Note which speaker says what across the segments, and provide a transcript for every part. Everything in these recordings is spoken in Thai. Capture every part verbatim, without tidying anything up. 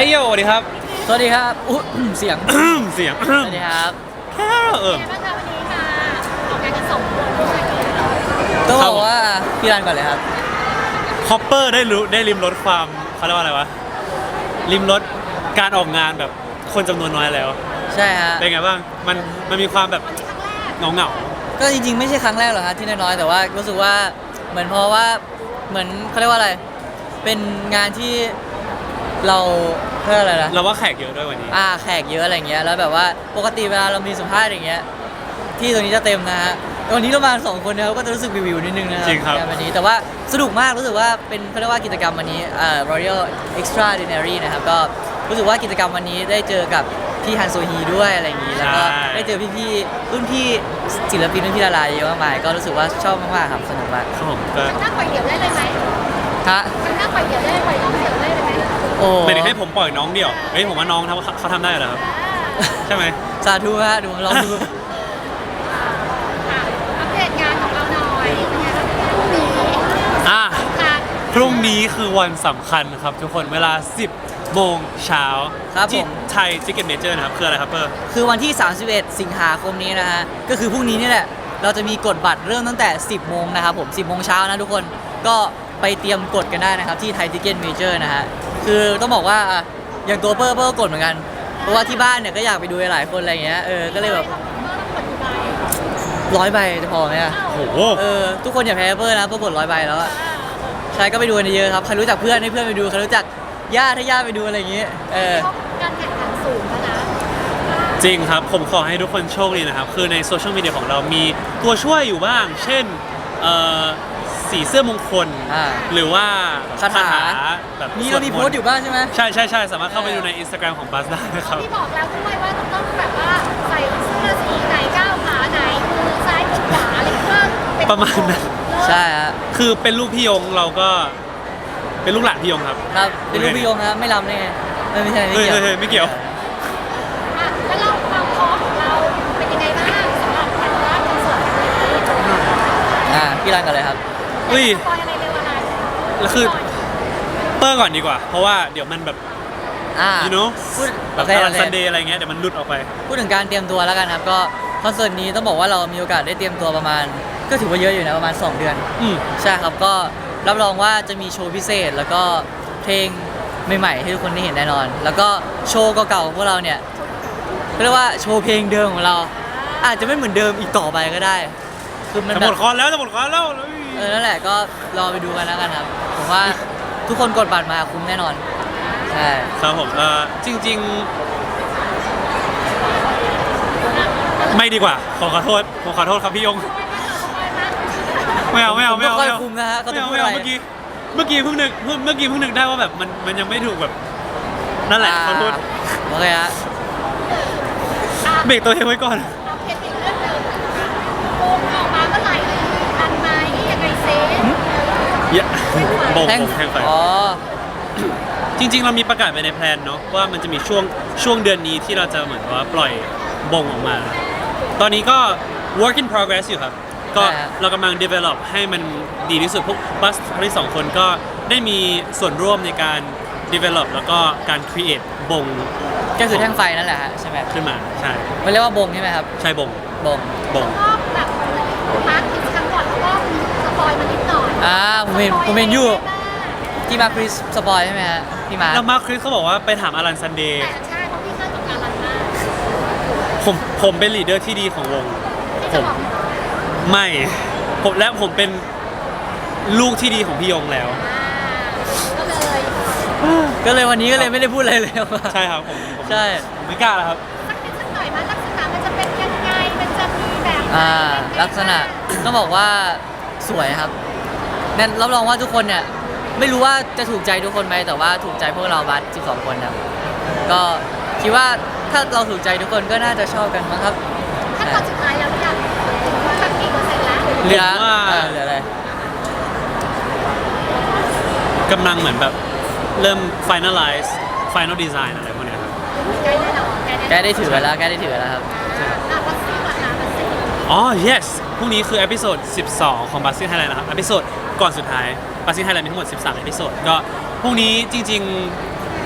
Speaker 1: โยสวัสดีครับ
Speaker 2: สวัสดีครับอุ๊ยเสียง
Speaker 1: เสียง
Speaker 2: สวัสดีครับ
Speaker 1: แค่เอิม
Speaker 3: เป็นไงบ้างคะวันนี้มาออกงานกันสองคนด้วย
Speaker 2: ต้องบอกว่าพี่รันก่อนเลยครับ
Speaker 1: คอปเปอร์ได้รู้ได้ริมรสความเขาเรียกว่าอะไรวะริมรสการออกงานแบบคนจำนวนน้อยแล้ว
Speaker 2: ใช่ฮะ
Speaker 1: เป็นไงบ้างมันมันมีความแบบเงาเงา
Speaker 2: ก็จริงๆไม่ใช่ครั้งแรกหรอกครับที่น้อยๆแต่ว่ารู้สึกว่าเหมือนเพราะว่าเหมือนเขาเรียกว่าอะไร เป็นงานที่เราเพื่ออะไรนะ
Speaker 1: เราว่าแขกเยอะด้วยวันนี้
Speaker 2: อ่าแขกเยอะอะไรเงี้ยแล้วแบบว่าปกติเวลาเรามีสัมภาษณ์อย่างเงี้ยที่ตรงนี้จะเต็มนะฮะแต่วันนี้เรามาสองคนนะครับก็จะรู้สึกวิวๆนิดนึงนะครั
Speaker 1: จริงครับ
Speaker 2: งานวันนี้แต่ว่าสนุกมากรู้สึกว่าเป็นเขาเรียกว่ากิจกรรมวันนี้อ่า Royal Extraordinary นะครับก็รู้สึกว่ากิจกรรมวันนี้ได้เจอกับพี่ฮันโซฮีด้วยอะไรอย่างงี้แล้วก็ได้เจอพี่ๆรุ่นพี่ศิลปินรุ่นพี่ดาราเยอะมากมายก็รู้สึกว่าชอบมากๆครับสนุกมาก
Speaker 1: ครับผมก็
Speaker 3: มันน่าปล่อยเดี่ยวได้เลยไหม
Speaker 2: ฮะ
Speaker 3: มันน่าปล่อยเดี่ยวได้ปล่อยน้องเดี่ยวได้เลยไหม
Speaker 2: โอ้
Speaker 1: ไม่ได้ให้ผมปล่อยน้องเดี่ยวเฮ้ยผมว่าน้องทำเขาทำได้เหรอครับ
Speaker 3: อ่า
Speaker 1: ใช่ไหม
Speaker 2: สาธุฮะดูลองดู
Speaker 3: อ่ะอัปเดตงานของเราหน่อยเป็นไงบ้างพรุ่งนี้
Speaker 1: อ่ะ
Speaker 3: ค่ะ
Speaker 1: พรุ่งนี้คือวันสำคัญครับทุกคนเวลา สิบโมงเช้า
Speaker 2: ครับผ
Speaker 1: ที่
Speaker 2: ม
Speaker 1: ไทยทิกเก็ตเมเจอร์นะครับคืออะไรครับเปอร์
Speaker 2: คือวันที่ สามสิบเอ็ด สิงหาคมนี้นะฮะ ก็คือพรุ่งนี้นี่แหละ เราจะมีกดบัตรเริ่มตั้งแต่ สิบโมงนะครับผม สิบโมงเช้านะทุกคน ก็ไปเตรียมกดกันได้นะครับที่ไทยทิเก็ตเมเจอร์นะฮะ คือต้องบอกว่าอ่ะอย่างตัวเปอร์เปอร์ก็กดเหมือนกัน เพราะว่าที่บ้านเนี่ยก็อยากไปดูหลายคนอะไรอย่างเงี้ย เออ ก็เลยแบบ
Speaker 3: เมื่อต้องกดกี่ใบ
Speaker 2: ร้อยใบจะพอไหมอะ
Speaker 1: โอ้โห
Speaker 2: เออ ทุกคนอย่าแพ้เปอร์นะเปอร์กดร้อยใบแล้วอะใช่ก็ไปดูกันเยอะๆครับ ใครรู้จักเพื่อนให้เพื่อนไปดู ใครรู้จักญาติให้ญาติไปดูอะไรอย่างเงี้ย เออ
Speaker 3: เพราะการแข่งขันสูงแล้วนะ
Speaker 1: จริงครับ ผมขอให้ทุกคนโชคดีนะครับ คือในโซเชียลมีเดียของเรามีตัวช่วยอยู่บ้าง เช่นเอ่อสีเสื้อมงคล
Speaker 2: อ่า
Speaker 1: หรือว่า
Speaker 2: คาถา
Speaker 1: แบบ
Speaker 2: นี่เรามีโพสต์อยู่บ้างใช่ไหม
Speaker 1: ใช่ใช่ใช่สามารถเข้าไปดูใน Instagram ของบัสได้นะครับ
Speaker 3: พี่บอกแล้วด้วยว่าต้องแบบว่าใส่เสื้อสีไหนก้าวขาไหนมือซ้ายมือขวาอะไรเพื่อเป็น
Speaker 1: ประมาณนั้น
Speaker 2: ใช่ฮะ
Speaker 1: คือเป็นลูกพี่ยงเราก็เป็นลูกหลานพี่ยงครับ
Speaker 2: ครับเป็นลูกพี่ยงครับไม่ลำได้ไงไม่ไม่ใช่ไม่
Speaker 1: เฮ้ย
Speaker 2: เกี่ยว
Speaker 1: เฮ้ยเฮ้ยไม่เกี่ยว
Speaker 3: อ่ะแล้วเราความพร้อมของเราเป็นยังไงบ้างสำหรับการรับคอนเสิร์ตครั้งนี้
Speaker 2: อ่าพี่รันกันเลยครับ
Speaker 1: เฮ้ย
Speaker 3: สปอยอะไรเร็วอะไร
Speaker 1: แล้วคือเปอร์ก่อนดีกว่า เพราะว่าเดี๋ยวมันแบบ
Speaker 2: อ่า
Speaker 1: you know
Speaker 2: พูด
Speaker 1: แบ
Speaker 2: โอบ เค
Speaker 1: ตา
Speaker 2: โอ
Speaker 1: ราง
Speaker 2: เค
Speaker 1: ซันเดย์อะไรเงี้ยเดี๋ยวมันหลุดออกไป
Speaker 2: พูดถึงการเตรียมตัวแล้วกันครับก็คอนเสิร์ตนี้ต้องบอกว่าเรามีโอกาสได้เตรียมตัวประมาณ ก็ถือว่าเยอะอยู่นะประมาณ สอง เดือน
Speaker 1: อืม
Speaker 2: ใช่ครับก็รับรองว่าจะมีโชว์พิเศษ แล้วก็เพลงใหม่ๆให้ทุกคนได้เห็นแน่นอน แล้วก็โชว์เก่าๆของพวกเราเนี่ยเรียกว่าโชว์เพลงเดิมของเรา อาจจะไม่เหมือนเดิมอีกต่อไปก็ได้ คือมัน
Speaker 1: จะ
Speaker 2: แบ
Speaker 1: หม
Speaker 2: บ
Speaker 1: ดคอนแล้วจะหมดคอนแล้ว
Speaker 2: เออนั่นแหละก็รอไปดูกันแล้วกันครับผมว่าทุกคนกดบัตรมาคุ้มแน่นอนใช่
Speaker 1: ครับผมเออจริง ๆ ไม่ดีกว่า ขอขอโทษผมขอโทษครับพี่ยง ไม่เอาไม่เอาไม่เอา
Speaker 2: ผมไม่ค่อย
Speaker 1: ไม่เอา
Speaker 2: คุมนะฮะเขา
Speaker 1: ไม่
Speaker 2: จะ
Speaker 1: เอา
Speaker 2: พูด
Speaker 1: ไม่
Speaker 2: อะไร
Speaker 1: เอาเมื่อกี้เมื่อกี้เพิ่งนึกเพิ่งเมื่อกี้เพิ่งนึกได้ว่าแบบมันมันยังไม่ถูกแบบนั่นแหละขอโทษ
Speaker 2: โอเคฮะ
Speaker 1: เบรกตัวเองไว้ก่อน
Speaker 3: เอาเพลงอีกเรื่องหนึ่งโมงออกมาเมื่อไหร่ทันไหมยังไงเซฟ
Speaker 1: เยอะบง
Speaker 2: แท่ง
Speaker 1: บงแทงไฟ
Speaker 2: อ๋อ
Speaker 1: จริง ๆ เรามีประกาศไปในแพลนเนาะว่ามันจะมีช่วงช่วงเดือนนี้ที่เราจะเหมือนว่าปล่อยบงออกมา ตอนนี้ก็ work in progress อยู่ครับ ก็
Speaker 2: ใช่ฮะ
Speaker 1: เรากำลัง develop ให้มันดีที่สุดพวกบัสทั้งสองคนก็ได้มีส่วนร่วมในการ develop แล้วก็การ create บง
Speaker 2: ก็คือแท่งไฟนั่นแหละฮะใช่ไหม
Speaker 1: ขึ้นมาใช่
Speaker 2: มันเรียกว่าบงใช่ไหมครับ
Speaker 1: ใช่บง
Speaker 2: บง
Speaker 1: บง
Speaker 3: ก็แบบมาร์คกิจกรรมก่อนแล้วก็มีสปอยมานิดหน่อย
Speaker 2: อ่าผมเห็นผมเห็นอยู่ที่มาคริสสปอยใช่ไหมฮะพี่มาร์ค
Speaker 1: แล้วมาร์คคริสเขาบอกว่าไปถามอลันซันเดย์
Speaker 3: แต่ใช่เพราะพี่เข้ากับการรันมาก
Speaker 1: ผมผมเป็นลีดเดอร์ที่ดีของวง
Speaker 3: ที่
Speaker 1: ผ
Speaker 3: จะ
Speaker 1: ม
Speaker 3: บอก
Speaker 1: ไม่ผมและผมเป็นลูกที่ดีของพี่ยงแล้ว
Speaker 3: อ่าก็เลย
Speaker 2: ก็เลยวันนี้ก็เลยไม่ได้พูดอะไรเลย
Speaker 1: ใช่ครับผมผม
Speaker 2: ใช่
Speaker 1: ผมไม่กล้าแล้วครับ
Speaker 3: สักนิดสักหน่อยมาลักษณะมันจะเป็นยังไงมันจะมีแบบไหน
Speaker 2: อ่าลักษณะต้องบอกว่าสวยครับนั่นรับรองว่าทุกคนเนี่ยไม่รู้ว่าจะถูกใจทุกคนไหมแต่ว่าถูกใจพวกเราบัสสิบสองคนครับก็คิดว่าถ้าเราถูกใจทุกคนก็น่าจะชอบกันมั้งครับ
Speaker 3: ขั้นตอนสุดท้ายแล้วหรือยังสักกี่เปอร์เซ็นต์แล้ว
Speaker 2: เหลือ
Speaker 1: ผมว่า
Speaker 2: เออเหลืออะไร
Speaker 1: กำลังเหมือนแบบเริ่ม finalize final design อะไรพวกเนี้ยครับ
Speaker 3: ใกล้ได้แล้ว
Speaker 2: ใกล้ได้ถือไปแล้วใกล้ได้ถือไปแล้วครับ
Speaker 3: อ่ะวัดซี่ก่อนนะวัดซี่
Speaker 1: อ๋อ yes พรุ่งนี้คือ e อพิโซดสิบสองของ b u z z ไทยแลนด์นะครับ e อพิโซดก่อนสุดท้าย b u z z ไทยแลนด์มีทั้งหมดสิบสาม e อพิโซดก็พรุ่งนี้จริงๆ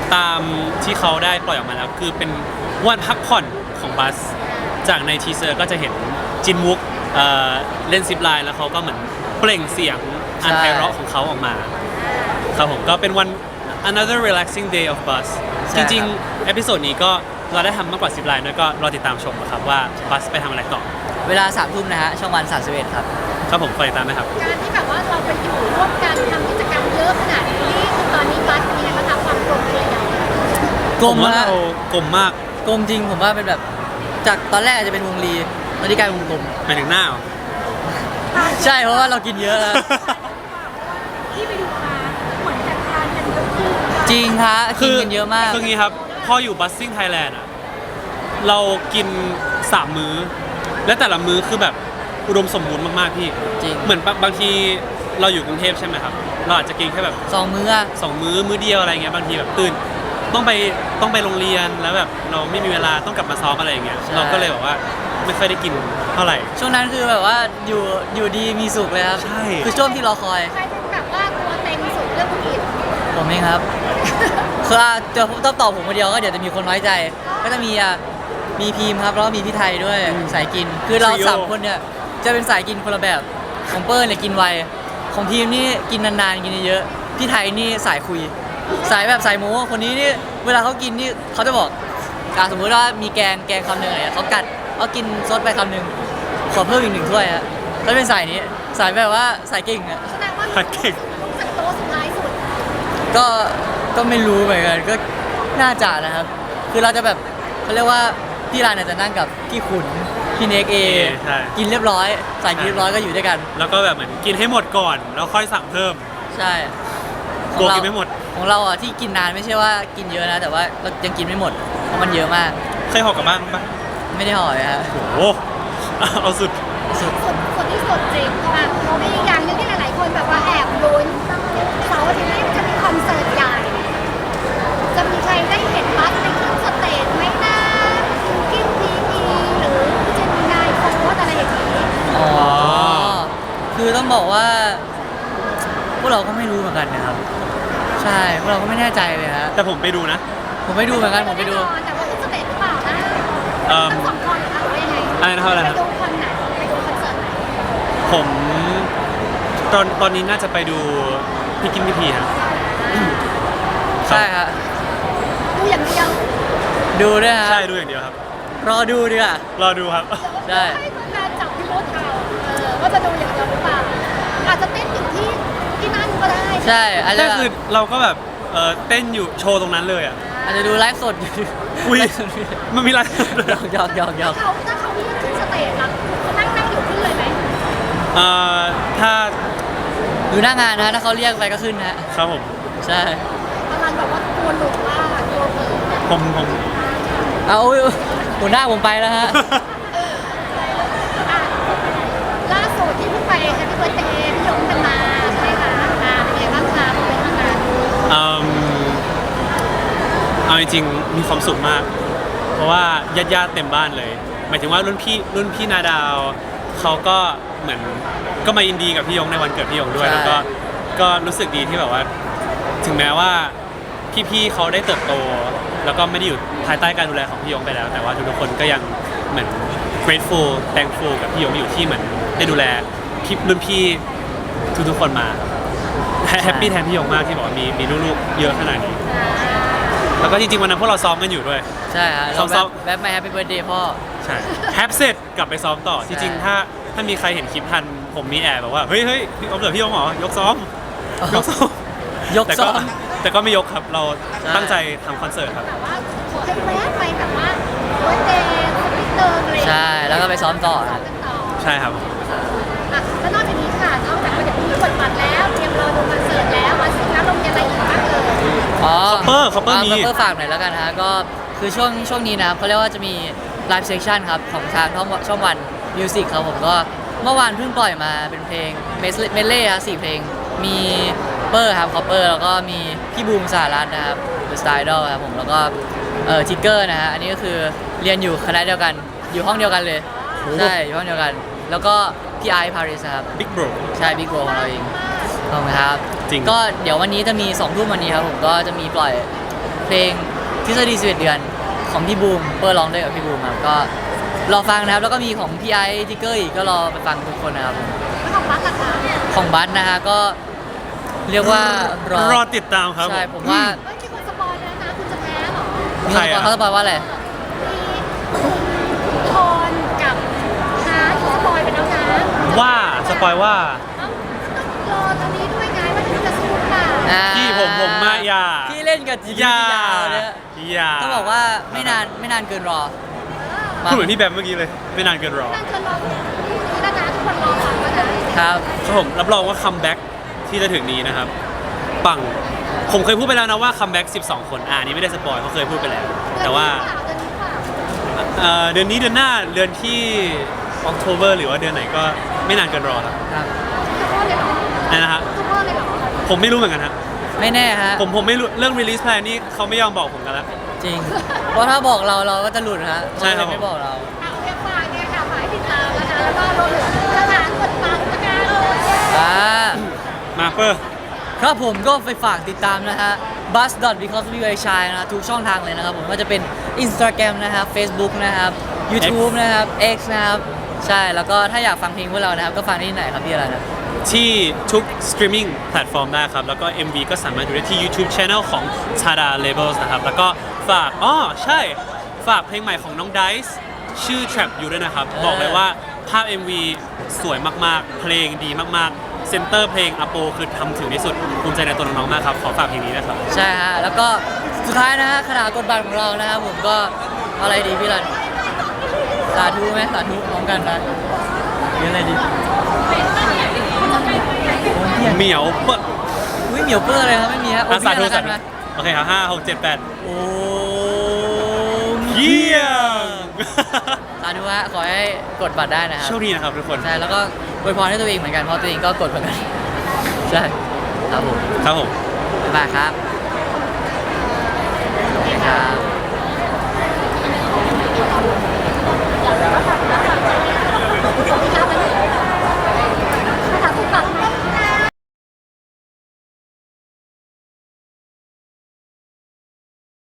Speaker 1: ตามที่เขาได้ปล่อยออกมาแล้ว คือเป็นวันพักผ่อนของบัสจากในทีเซอร์ก็จะเห็นจินมุกเอ่อเล่นซิปไลน์แล้วเขาก็เหมือนเปล่งเสียงอันไพเราะของเขาออกมาครับผมก็เป็นวัน another relaxing day of bus
Speaker 2: ใช่
Speaker 1: จ
Speaker 2: ครับ
Speaker 1: ริงๆ เอพิโซดนี้ก็เราได้ทำมากกว่าซิปไลน์ด้วยก็รอติดตามชมนะครับว่าบัสไปทำอะไรต่อ
Speaker 2: เวลาสามทุ่มนะฮะช่องวันสามสิบเอ็ดครับ
Speaker 1: ครับผมฝากติดตามนะครับ
Speaker 3: การที่แบบว่าเราไปอยู่ร่วมกันทำกิจกรรมเยอะขนาดนี้คือตอนนี้บัสมีอะไรมาทำความกลมเลยอย่าง
Speaker 2: กล
Speaker 1: ผม มว่า
Speaker 2: ฮะ
Speaker 1: เรากลมมาก
Speaker 2: กลมจริงผมว่าเป็นแบบจากตอนแรกอาจจะเป็นวงรีตอนนี้กลายเป็นวงกลม
Speaker 1: หมายถึงหน้าเหรอ
Speaker 2: ใช่เพราะว่าเรากินเยอะแล้ว
Speaker 3: ที่ไปดูมาเหมือนจัดการกันเยอะขึ้น
Speaker 2: จริงฮะกินกันเยอะมาก
Speaker 1: คืองี้ครับ พออยู่บัสซิ่งไทยแลนด์อ่ะ เรากินสามมื้อ และแต่ละมื้อคือแบบอุดมสมบูรณ์มาก ๆ พี่
Speaker 2: จริง
Speaker 1: เหมือนบางบางทีเราอยู่กรุงเทพใช่ไหมครับ เราอาจจะกินแค่แบบ
Speaker 2: สองมื้ออะ
Speaker 1: สองมื้อ มื้อเดียวอะไรเงี้ย บางทีแบบตื่น ต้องไปต้องไปโรงเรียน แล้วแบบเราไม่มีเวลาต้องกลับมาซ้อมอะไรอย่างเงี้ย เราก็เลยแบบว่าไม่ค่อยได้กินเท่าไหร่
Speaker 2: ช่วงนั้นคือแบบว่าอยู่อยู่ดีมีสุขเลยครับ
Speaker 1: ใช่
Speaker 2: คือช่วงที่รอคอย
Speaker 3: ใครเป็นแบบว่าตัวเต็งสุดเรื่องกิน
Speaker 2: ผมเองครับ คืออ่ะเดี๋ยวต้องตอบผมคนเดียวก็เดี๋ยวจะมีคนน้อยใจ ก็จะมีอ่ะมีพีมครับแล้วก็มีพี่ไทยด้วยสายกิน คือเรา
Speaker 1: Trio
Speaker 2: สามคนเนี่ยจะเป็นสายกินคนละแบบของเปิ้ลเนี่ยกินไวของพีมนี่กินนานๆกินเยอะๆพี่ไทยนี่สายคุย สายแบบสายโม้คนนี้นี่เวลาเขากินนี่เขาจะบอกอ่ะสมมุติว่ามีแกงแกงคำหนึ่งอะไรเขากัดเขากินซดไปคำหนึ่งขอเพิ่มอีกหนึ่งถ้วยฮะแล้วเป็นสายนี้สายแบบว่าสายเก่งอะ
Speaker 3: แสดงว่า
Speaker 1: เก่ง
Speaker 3: รู้สึกโตะสุดท้ายสุด
Speaker 2: ก็ก็ไม่รู้เหมือนกันก็น่าจะนะครับ คือเราจะแบบเขาเรียกว่าพี่รานเนี่ยจะนั่งกับพี่ขุนพี่เน็กเอ
Speaker 1: ใช่
Speaker 2: กินเรียบร้อยสายกินเรียบร้อยก็อยู่ด้วยกัน
Speaker 1: แล้วก็แบบเหมือนกินให้หมดก่อน แล้วค่อยสั่งเพิ่ม
Speaker 2: ใช่
Speaker 1: กลัวกินไม่หมด
Speaker 2: ของเราอ่ะที่กินนานไม่ใช่ว่ากินเยอะนะ แต่ว่าเรายังกินไม่หมดเพราะมันเยอะมาก
Speaker 1: เคยหอกกลับบ้านปะ
Speaker 2: ไม่ได้ห่อเลยฮะ
Speaker 1: โอ้โห เอาสุด
Speaker 2: สุด
Speaker 3: สุดสุดที่สุดจริงอ่ะมีอีกอย่างหนึงที่หลายๆคนแบบว่าแอบลุ้นเสาร์อาทิตย์นี้จะมีคอนเสิร์ตใหญ่ จะมีใครได้เห็นบัสไปขึ้นสเตจไหมนะกินพีพีหรือเจมินายโฟร์อะไรอย่างนี้
Speaker 2: อ๋อ คือต้องบอกว่า พวกเราก็ไม่รู้เหมือนกันนะครับ ใช่พวกเราก็ไม่แน่ใจเลยฮะ
Speaker 1: แต่ผมไปดูนะ
Speaker 2: ผมไปดูเหมือนกันผมไปดู
Speaker 3: แน่นอนแต่ว่าขึ้นสเตจหรือเปล่านะ
Speaker 1: เอิ่ม
Speaker 3: ทั้งสองคนเหรอคะหรือว่ายังไง
Speaker 1: อะไรนะครับอะไร
Speaker 3: ไป
Speaker 1: นะครับ
Speaker 3: ดูคอนไหนไปดูคอนเสิร์ตไหน
Speaker 1: ผมตอนตอนนี้น่าจะไปดูพี่กินพี่พีครับ
Speaker 2: ใช่ฮะ
Speaker 3: ดูอย่างเดียว
Speaker 2: ดูด้วยฮะ
Speaker 1: ใช่ดูอย่างเดียวครับ
Speaker 2: รอดูดีกว่า
Speaker 1: รอดูครับ
Speaker 2: ใช่
Speaker 3: ให้คุณแม่จับพิรุธเอาเออว่าจะดูอย่างเดียวหรือเปล่าอาจจะเต้นอยู่ที่ที่นั่นก็ได้
Speaker 2: ใช่อาจจะ
Speaker 1: ก็คือเราก็แบบเออเต้นอยู่โชว์ตรงนั้นเลยอ่ะ
Speaker 2: อาจจะดูไลฟ์สดอยู่
Speaker 1: อุ้ย
Speaker 2: ไลฟ์สดอยู่
Speaker 1: มันมีอะไร
Speaker 2: หยอกหยอกหยอกหยอก
Speaker 3: เขาถ้าเขายื่นขึ้นสเตจอะเขานั่งนั่งอยู่ขึ้นเลยไหม
Speaker 1: เอ่อถ้า
Speaker 2: อยู่หน้างานนะฮะถ้าเขาเรียกไปก็ขึ้นนะฮะ
Speaker 1: ครับผม
Speaker 2: ใช่
Speaker 3: ประมาณแบบว่ากลัวหลุดว่ากลัวเผลอเนี่ย
Speaker 1: ผมผม
Speaker 2: เอาอุ๊ยหัวหน้าผมไปแล้วฮะ
Speaker 3: อ่ะล่าสุดที่เพิ่งไปแฮปปี้เบิร์ดเดย์พี่ยงกันมาใช่ไหมคะอ่าเป็นไงบ้างคะเป็นทางการ
Speaker 1: เอิ่มเอาจริงๆมีความสุขมาก เพราะว่าญาติๆเต็มบ้านเลย หมายถึงว่ารุ่นพี่รุ่นพี่นาดาวเขาก็เหมือนก็มายินดีกับพี่ยงในวันเกิดพี่ยงด้วย
Speaker 2: ใช่
Speaker 1: แล้วก็ก็รู้สึกดีที่แบบว่า ถึงแม้ว่าพี่ๆเขาได้เติบโต แล้วก็ไม่ได้อยู่ภายใต้การดูแลของพี่ยงไปแล้ว แต่ว่าทุกๆคนก็ยังเหมือน grateful thankful กับพี่ยงอยู่ที่เหมือนได้ดูแลพี่รุ่นพี่ทุกๆคนมาแฮปปี้แทนพี่ยงมากที่บอกว่ามีมีลูกๆเยอะขนาดนี้ แล้วก็จริงๆวันนั้นพวกเราซ้อมกันอยู่ด้วย
Speaker 2: ใช่ฮะเรา
Speaker 1: ซ้
Speaker 2: แบ
Speaker 1: อม
Speaker 2: บแบบมาแฮปปี้เบิร์ดเดย์พ่อ
Speaker 1: ใช่แฮปเสร็จกลับไปซ้อมต่อ จริงๆถ้าถ้ามีใครเห็นคลิปทันผมมีแอบแบบว่าเฮ้ยเฮ้ยพี่เอาเกิดพี่ยงเหรอยกซ้อม
Speaker 2: อ๋อ
Speaker 1: ยกซ้อม
Speaker 2: ยก
Speaker 1: แต่
Speaker 2: ซ้
Speaker 1: ก็
Speaker 2: อม
Speaker 1: แต่ก็ไม่ยกครับเรา
Speaker 2: ใช่
Speaker 1: ตั้งใจทำคอนเสิร์ตครับ
Speaker 3: แต่ว่าขอให้แวะไปแบบว่าเบิร์ดเดย์สปิเตอร์อะไรอย่างเงี้ย
Speaker 2: ใช่แล้วก็ไปซ้อมต่อ
Speaker 3: ซ้อ
Speaker 2: ฮะ
Speaker 3: มกันต่อ
Speaker 1: ใช่ครับ
Speaker 3: อ่ะแล้วนอกจากนี้ค่ะนอกจากว่าเดี๋ยวพรุ่งนี้กดบัตรแล้วเตรียมรอดูคอนเสิร์ตแล้ววันศุกร์แล้วเรามีอะไรอีกบ้างเอ่ย
Speaker 2: อ๋อ
Speaker 1: Copper Copper มี
Speaker 2: คอปเปอร์ฝากหน่อยแล้วกันฮะก็คือช่วงช่วงนี้นะครับเขาเรียกว่าจะมีไลฟ์เซสชันครับของทางช่องช่องวันมิวสิกครับผมก็เมื่อวานเพิ่งปล่อยมาเป็นเพลงเมสเมเล่ครับสี่เพลงมีเปอร์ครับคอปเปอร์แล้วก็มีพี่บูมสารัตน์นะครับ The Style Idol ครับผมแล้วก็เอ่อทิกเกอร์นะฮะอันนี้ก็คือเรียนอยู่คณะเดียวกันอยู่ห้องเดียวกันเลย
Speaker 1: โอ้
Speaker 2: ใช่อยู่ห้องเดียวกัน แล้วก็พี่ไอซ์พาริสครับ
Speaker 1: Big Bro
Speaker 2: ใช่บิ๊กโบของเราเองขอบคุณครับ
Speaker 1: จริง
Speaker 2: ก็เดี๋ยววันนี้จะมีสองทุ่มวันนี้ครับผมก็จะมีปล่อยเพลงทฤษฎีสิบเอ็ดเดือนของพี่บูมเปิดร้องด้วยกับพี่บูมครับก็รอฟังนะครับแล้วก็มีของพี่ไอซ์ทิกเกอร์อีกก็รอไปฟังทุกคนนะครับ
Speaker 3: แล้วของบัสล่ะคะ
Speaker 2: ของบัสนะฮะก็เรียกว่ารอ
Speaker 1: รอติดตามครับ
Speaker 2: ใช่ผมว่า
Speaker 3: เฮ้ยมีคนสปอยแล้วนะคุณจะแพ้เหรอ
Speaker 2: มี
Speaker 1: ใคร
Speaker 2: คน
Speaker 1: อะ
Speaker 2: เขาสปอยว่าอะไร
Speaker 3: มีโทนกับฮาร์ดสปอยไปแล้วนะ
Speaker 1: ว่าสปอยว่า
Speaker 3: เอ้าต้องรอตอนนี้ด้วยไงว่าจะสู้เปล่า
Speaker 2: อ่า
Speaker 1: พี่ผมผมมาอย่า
Speaker 2: ที่เล่นกับจี
Speaker 1: อย่า
Speaker 2: ยาวเนี่ย
Speaker 1: อย่า
Speaker 2: ต้องบอกว่าไม่นานไม่นานเกินรอ
Speaker 1: พูดเหมือนพี่แบมเมื่อกี้เลย ไม่นานเกินรอ
Speaker 3: นั่นจะรอพรุ่งนี้แล้วนะทุกคนรอฟังแล้วนะครับ
Speaker 1: ครับผมรับรองว่าคัมแบ็กที่จะถึงนี้นะครับ ปัง ผมเคยพูดไปแล้วนะว่าคัมแบ็กสิบสองคนอ่านี้ไม่ได้สปอยเขาเคยพูดไปแล้ว แต่ว่า
Speaker 3: เดือนนี้เปล่า
Speaker 1: เอ่อเดือนนี้เดือนหน้าเดือนที่ออกโทเบอร์หรือว่าเดือนไหนก็ไม่นานเกินรอครับ
Speaker 2: ครับ
Speaker 3: ทุกคนเลยเหรอ
Speaker 1: นั่นนะฮะ
Speaker 3: ทุกคนเลยเหรอ
Speaker 1: ผมไม่รู้เหมือนกันฮะ
Speaker 2: ไม่แน่ฮะ
Speaker 1: ผมผมไม่รู้เรื่อง release plan นี่เขาไม่ยอมบอกผมกันแล้ว
Speaker 2: จริง เพราะถ้าบอกเราเราก็จะหลุดฮะ
Speaker 1: ใช่ครับ
Speaker 2: เขาเลยไม่บอกเรา
Speaker 3: เอาเรียกฝากเนี่ยค่ะฝากให้ติดตามนะคะแล้วก็รวมถึงสถานกดฟังนะคะเออ
Speaker 2: อ่า
Speaker 1: มาเปอร์
Speaker 2: ครับผมก็ไปฝากติดตามนะฮะ bus dot because we are shy นะทุกช่องทางเลยนะครับผมไม่ว่าจะเป็น Instagram นะครับ Facebook นะครับ YouTube นะครับ X นะครับ ใช่แล้วก็ถ้าอยากฟังเพลงพวกเรานะครับ ก็ฟังได้ที่ไหนครับพี่อะไรนะ
Speaker 1: ที่ทุกสตรีมมิ่งแพลตฟอร์มได้ครับ แล้วก็ เอ็ม วี ก็สามารถดูได้ที่ YouTube Channel ของ Tada Labels นะครับ แล้วก็ฝากอ๋อใช่ ฝากเพลงใหม่ของน้อง Dice ชื่อ Trap อยู่ด้วยนะครับ
Speaker 2: เออ
Speaker 1: บอกเลยว่าภาพ เอ็ม วี สวยมากๆ เพลงดีมากๆ เซนเตอร์เพลงอโปคือทำถึงที่สุดภูมิใจในตัวน้องๆมากครับ ขอฝากเพลงนี้นะครับ
Speaker 2: ใช่ฮะ แล้วก็สุดท้ายนะฮะขนาดกดบัตรของเรานะครับผมก็เอาอะไรดีพี่รันสาธุไหมสาธุพร้อมกันนะเรียนอะไรดีโอ้ย
Speaker 1: เหมียวเปะ
Speaker 2: อุ้ยเหมียวเปอร์เลยครับไม่มีฮะโอ้
Speaker 1: อ่ะ
Speaker 2: ย
Speaker 1: สาธุ
Speaker 2: พี่รัน
Speaker 1: สาธุ
Speaker 2: แล้วกัน
Speaker 1: โอเคครับห้าหกเจ็ดแปด
Speaker 2: โอ้
Speaker 1: เยี่ยม
Speaker 2: สาธุฮะขอให้กดบัตรได้นะครับ
Speaker 1: โชคดีนะครับทุกคน
Speaker 2: ใช่แล้วก็อวยพรให้ตัวเองเหมือนกันเพราะตัวเองก็กดเหมือนกันใช่ครับผม
Speaker 1: ครับผม
Speaker 2: บ๊ายบายครับโอเคครับ